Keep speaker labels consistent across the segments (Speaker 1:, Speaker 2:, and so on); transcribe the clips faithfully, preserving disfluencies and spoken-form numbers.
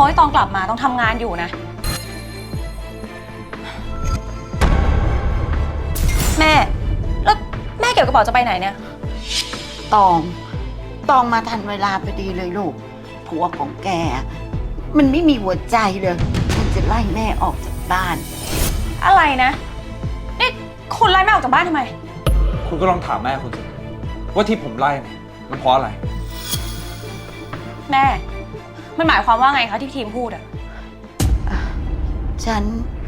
Speaker 1: บอกให้ตองกลับมาต้องทำงานอยู่นะแม่แล้วแม่เก็บกระเป๋าจะไปไหนเนี่ย
Speaker 2: ตองตองมาทันเวลาพอดีเลยลูกผัวของแกมันไม่มีหัวใจเลยมันจะไล่แม่ออกจากบ้าน
Speaker 1: อะไรนะนี่คุณไล่แม่ออกจากบ้านทำไม
Speaker 3: คุณก็ลองถามแม่คุณสิว่าที่ผมไล่เนี่ยมันเพราะอะไร
Speaker 1: แม่มันหมายความว่าไงคะที่ทีมพูดอะ
Speaker 2: ฉัน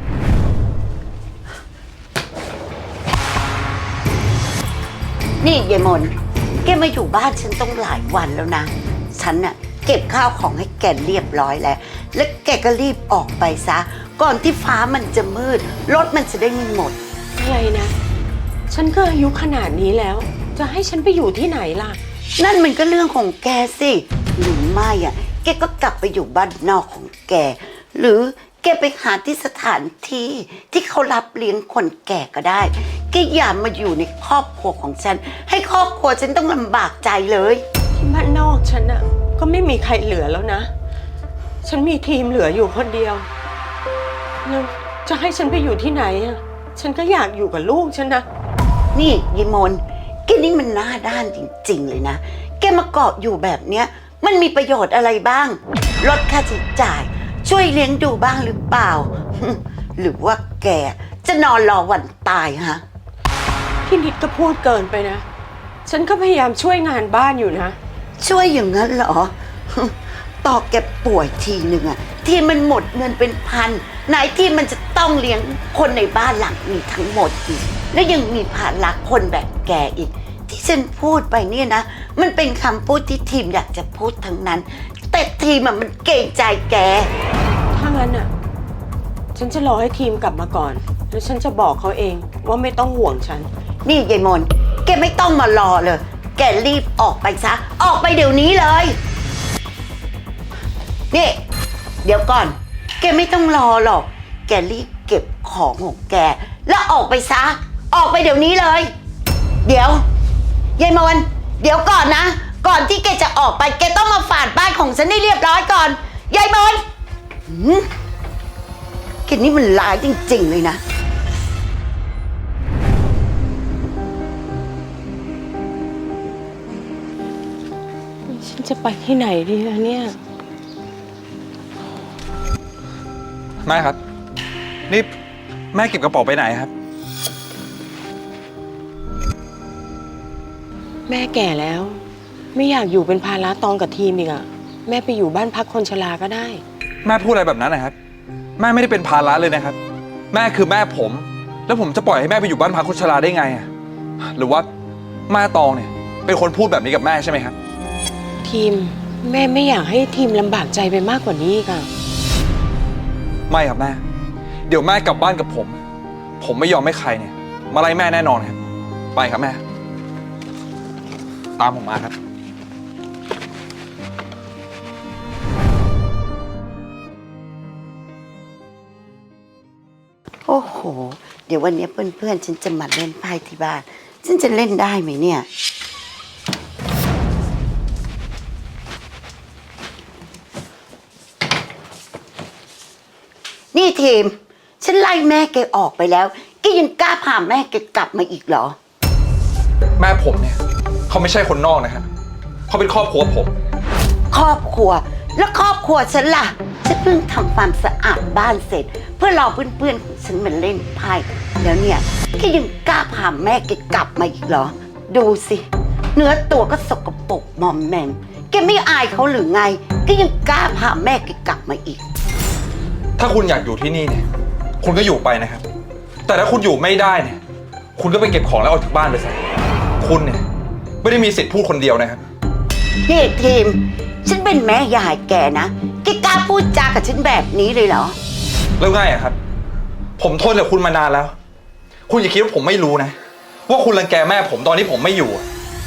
Speaker 2: นี่ยายมนแกมาอยู่บ้านฉันต้องหลายวันแล้วนะฉันน่ะเก็บข้าวของให้แกเรียบร้อยแล้วแล้วแกก็รีบออกไปซะก่อนที่ฟ้ามันจะมืดรถมันจะได้ไม่หมด
Speaker 4: อะไรนะฉันก็อายุขนาดนี้แล้วจะให้ฉันไปอยู่ที่ไหนล่ะ
Speaker 2: นั่นมันก็เรื่องของแกสิหรือไม่อ่ะแกก็กลับไปอยู่บ้านนอกของแกหรือแกไปหาที่สถานที่ที่เขารับเลี้ยงคนแก่ก็ได้แกอย่ามาอยู่ในครอบครัวของฉันให้ครอบครัวฉันต้องลำบากใจเลย
Speaker 4: ที่บ้านนอกฉันอ่ะก็ไม่มีใครเหลือแล้วนะฉันมีทีมเหลืออยู่คนเดียวแล้วจะให้ฉันไปอยู่ที่ไหนอ่ะฉันก็อยากอยู่กับลูกฉันนะ
Speaker 2: นี่ยิมนแกนี่มันหน้าด้านจริงๆเลยนะแกมาเกาะอยู่แบบเนี้ยมันมีประโยชน์อะไรบ้างลดค่าใช้จ่ายช่วยเลี้ยงดูบ้างหรือเปล่าหรือว่าแกจะนอนรอวันตายฮะ
Speaker 4: พี่นิดก็พูดเกินไปนะฉันก็พยายามช่วยงานบ้านอยู่นะ
Speaker 2: ช่วยอย่างนั้นเหรอต่อแกป่วยทีหนึ่งอะที่มันหมดเงินเป็นพันไหนที่มันจะต้องเลี้ยงคนในบ้านหลังนี้ทั้งหมดอีกและยังมีภาระคนแบบแกอีกที่ฉันพูดไปเนี่ยนะมันเป็นคำพูดที่ทีมอยากจะพูดทั้งนั้นแต่ทีมมันเกรงใจแก
Speaker 4: ถ้างั้นอะฉันจะรอให้ทีมกลับมาก่อนแล้วฉันจะบอกเขาเองว่าไม่ต้องห่วงฉัน
Speaker 2: นี่ยายมนแกไม่ต้องมารอเลยแกรีบออกไปซะออกไปเดี๋ยวนี้เลยนี่เดี๋ยวก่อนแกไม่ต้องรอหรอกแกรีบเก็บของของแกแล้วออกไปซะออกไปเดี๋ยวนี้เลยเดี๋ยวยายมนเดี๋ยวก่อนนะก่อนที่แกจะออกไปแกต้องมาฝาดบ้านของฉันให้เรียบร้อยก่อนยายมนแกนี่มันร้ายจริงๆเลยนะ
Speaker 4: ฉันจะไปที่ไหนดีล่ะเนี่ย
Speaker 3: แม่ครับนี่แม่เก็บกระเป๋าไปไหนครับ
Speaker 4: แม่แก่แล้วไม่อยากอยู่เป็นภาระตองกับทีมอีกอะแม่ไปอยู่บ้านพักคนชราก็ได้
Speaker 3: แม่พูดอะไรแบบนั้นนะครับแม่ไม่ได้เป็นภาระเลยนะครับแม่คือแม่ผมแล้วผมจะปล่อยให้แม่ไปอยู่บ้านพักคนชราได้ไงอะหรือว่าแม่ตองเนี่ยเป็นคนพูดแบบนี้กับแม่ใช่ไหมครับ
Speaker 4: ทีมแม่ไม่อยากให้ทีมลำบากใจไปมากกว่านี้ค่ะ
Speaker 3: ไม่ครับแม่เดี๋ยวแม่กลับบ้านกับผมผมไม่ยอมให้ใครเนี่ยมาไล่แม่แน่นอนครับไปครับแม่ตามผมมาครับ
Speaker 2: โอ้โหเดี๋ยววันนี้เพื่อนๆฉันจะมาเล่นไพ่ที่บ้านฉันจะเล่นได้ไหมเนี่ยนี่ทีมฉันไล่แม่แกออกไปแล้วแกยังกล้าพาแม่แกกลับมาอีกเหรอ
Speaker 3: แม่ผมเนี่ยเขาไม่ใช่คนนอกนะครับเขาเป็นครอบครัวผม
Speaker 2: ครอบครัวแล้วครอบครัวฉันล่ะฉันเพิ่งทำความสะอาดบ้านเสร็จเพื่อรอเพื่อนๆของฉันมาเล่นไพ่แล้วเนี่ยแกยังกล้าพาแม่แกกลับมาอีกเหรอดูสิเนื้อตัวก็สกปรกมอมแมมแกไม่อายเขาหรือไงแกยังกล้าพาแม่แกกลับมาอีก
Speaker 3: ถ้าคุณอยากอยู่ที่นี่เนี่ยคุณก็อยู่ไปนะครับแต่ถ้าคุณอยู่ไม่ได้เนี่ยคุณก็ไปเก็บของแล้วออกจากบ้านไปซะคุณเนี่ยไม่ได้มีสิทธิ์พูดคนเดียวนะครับ
Speaker 2: นี่ทีมฉันเป็นแม่ยายแกนะแกกล้าพูดจากับฉันแบบนี้เลยเหรอ
Speaker 3: แล้วไงอะครับผมทนกับคุณมานานแล้วคุณอย่าคิดว่าผมไม่รู้นะว่าคุณรังแกแม่ผมตอนที่ผมไม่อยู่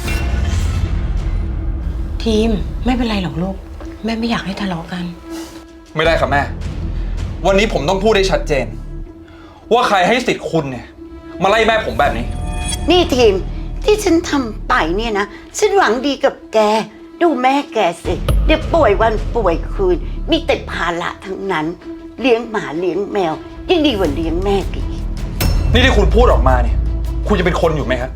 Speaker 4: ทีมไม่เป็นไรหรอกลูกแม่ไม่อยากให้ทะเลาะกัน
Speaker 3: ไม่ได้ครับแม่วันนี้ผมต้องพูดให้ชัดเจนว่าใครให้สิทธิ์คุณเนี่ยมาไล่แม่ผมแบบนี้
Speaker 2: นี่ทีมที่ฉันทำไปเนี่ยนะฉันหวังดีกับแกดูแม่แกสิ เดี๋ยวป่วยวันป่วยคืน มีแต่ภาระทั้งนั้น เลี้ยงหมาเลี้ยงแมวยิ่งดีกว่าเลี้ยงแม่อีก
Speaker 3: นี่ที่คุณพูดออกมาเนี่ย คุณจะเป็นคนอยู่ไหมครับ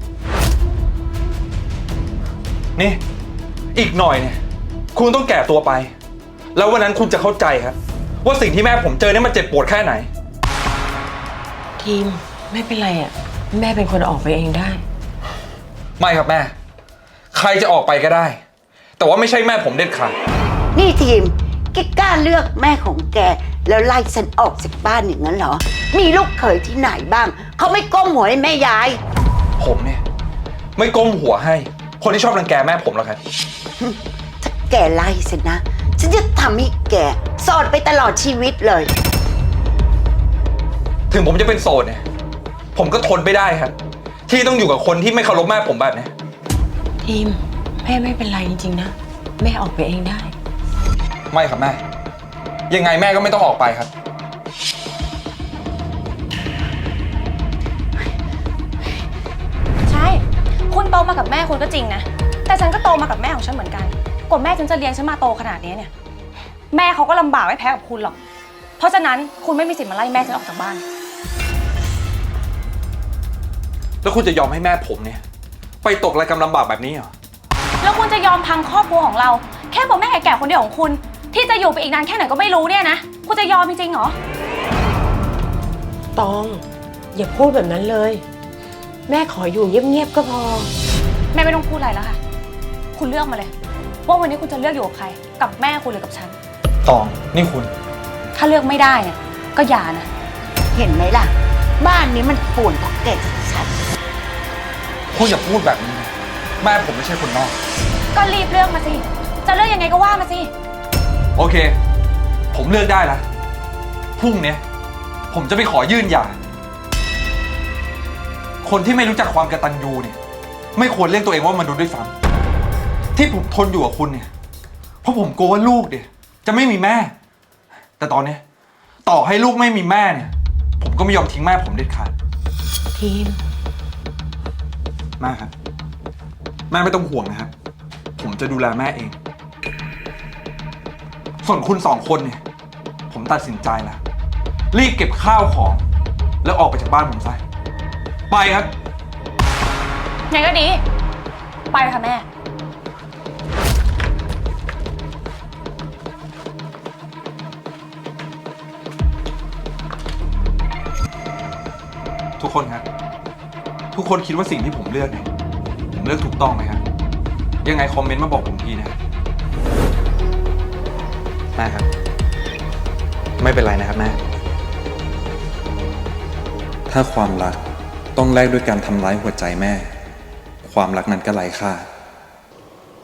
Speaker 3: นี่ อีกหน่อยเนี่ย คุณต้องแก่ตัวไป แล้ววันนั้นคุณจะเข้าใจครับ ว่าสิ่งที่แม่ผมเจอเนี่ยมันเจ็บปวดแค่ไหน
Speaker 4: ทีมไม่เป็นไรอ่ะ แม่เป็นคนออกไปเองได้
Speaker 3: ไม่ครับแม่ ใครจะออกไปก็ได้ แต่ว่าไม่ใช่แม่ผมเด็ดขาด
Speaker 2: นี่ทีมแกกล้าเลือกแม่ของแก แล้วไล่ฉันออกจากบ้านอย่างนั้นเหรอ มีลูกเขยที่ไหนบ้าง เขาไม่ก้มหัวให้แม่ยาย
Speaker 3: ผมเนี่ย ไม่ก้มหัวให้ คนที่ชอบรังแกแม่ผมหรอกครับ
Speaker 2: ถ้าแกไล่ฉันนะ ฉันจะทำให้แกโสดไปตลอดชีวิตเลย
Speaker 3: ถึงผมจะเป็นโสดเนี่ย ผมก็ทนไม่ได้ครับ ที่ต้องอยู่กับคนที่ไม่เคารพแม่ผมแบบนี้
Speaker 4: ทีมแม่ไม่เป็นไรจริงๆนะ แม่ออกไปเองได้
Speaker 3: ไม่ครับแม่ ยังไงแม่ก็ไม่ต้องออกไปครับ
Speaker 1: ใช่ คุณโตมากับแม่คุณก็จริงนะ แต่ฉันก็โตมากับแม่ของฉันเหมือนกันกว่าแม่ฉันจะเลี้ยงฉันมาโตขนาดนี้เนี่ย แม่เขาก็ลำบากไม่แพ้กับคุณหรอก เพราะฉะนั้นคุณไม่มีสิทธิ์มาไล่แม่ฉันออกจากบ้าน
Speaker 3: แล้วคุณจะยอมให้แม่ผมเนี่ย ไปตกระกำลำบากแบบนี้เหรอ
Speaker 1: แล้วคุณจะยอมพังครอบครัวของเรา แค่เพราะแม่แก่ๆคนเดียวของคุณ ที่จะอยู่ไปอีกนานแค่ไหนก็ไม่รู้เนี่ยนะ คุณจะยอมจริงๆเหรอ
Speaker 4: ตอง อย่าพูดแบบนั้นเลย แม่ขออยู่เงียบๆก็พอ
Speaker 1: แม่ไม่ต้องพูดอะไรแล้วค่ะ คุณเลือกมาเลย ว่าวันนี้คุณจะเลือกอยู่กับใคร กับแม่คุณหรือกับฉัน
Speaker 3: ตอง นี่คุณ
Speaker 1: ถ้าเลือกไม่ได้เนี่ยก็อย่านะ
Speaker 2: เห็นไหมล่ะ บ้านนี้มันป่วนเพราะแกชัด
Speaker 3: คุณอย่าพูดแบบนี้นะแม่ผมไม่ใช่คนนอก
Speaker 1: ก็รีบเลือกมาสิ จะเลือกยังไงก็ว่ามาสิ
Speaker 3: โอเค ผมเลือกได้ละพรุ่งเนี้ยผมจะไปขอยื่นหย่า คนที่ไม่รู้จักความกตัญญูเนี่ย ไม่ควรเรียกตัวเองว่ามนุษย์ด้วยซ้ำที่ผมทนอยู่กับคุณเนี่ย เพราะผมกลัวว่าลูกเนี่ยจะไม่มีแม่ แต่ตอนเนี้ยต่อให้ลูกไม่มีแม่เนี่ย ผมก็ไม่ยอมทิ้งแม่ผมเด็ดขาด
Speaker 4: ทีม
Speaker 3: แม่ครับ แม่ไม่ต้องห่วงนะครับ ผมจะดูแลแม่เอง ส่วนคุณสองคนเนี่ย ผมตัดสินใจแล้ว รีบเก็บข้าวของ แล้วออกไปจากบ้านผมซะไปครับ
Speaker 1: ไงก็ดี ไปค่ะแม่
Speaker 3: ทุกคนครับ ทุกคนคิดว่าสิ่งที่ผมเลือกเนี่ย ผมเลือกถูกต้องไหมครับ ยังไงคอมเมนต์มาบอกผมทีนะครับแม่ครับ ไม่เป็นไรนะครับแม่ ถ้าความรักต้องแลกด้วยการทำร้ายหัวใจแม่ ความรักนั้นก็ไร้ค่า